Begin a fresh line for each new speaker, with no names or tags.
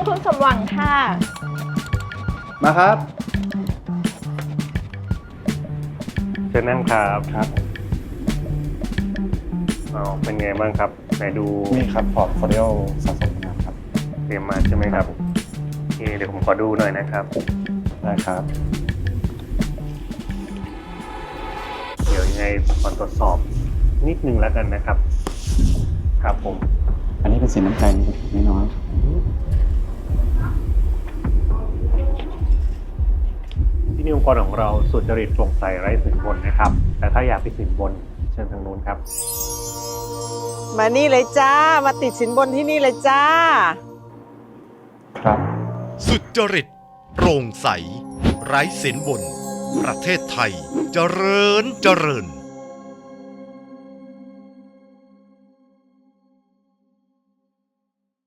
ญคุณสมหวังค่ะ
มาครับ
เชิญนั่งครับ
ครับ
เป็นไงบ้างครับไหนดู
นี่ครับพอร์ตโฟลิโอสะสมนะครับ
เตรียมมาใช่ไหมครับโอเคเดี๋ยวผมขอดูหน่อยนะครับ
ได้ครับ
เดี๋ยวยังไงผมขอตรวจสอบนิดนึงแล้วกันนะครับ ครับผม
อันนี้เป็นสินน้ำใจนิดน้อย
ที่นี่องค์กรของเราสุจริตโปร่งใสไร้สินบนนะครับ แต่ถ้าอยากไปสินบนเชิญทางนู้นครับ
มานี่เลยจ้า มาติดสินบนที่นี่เลยจ้า
ครับ
สุจริตโปร่งใส ไร้สินบน ประเทศไทยเจริญเจริญ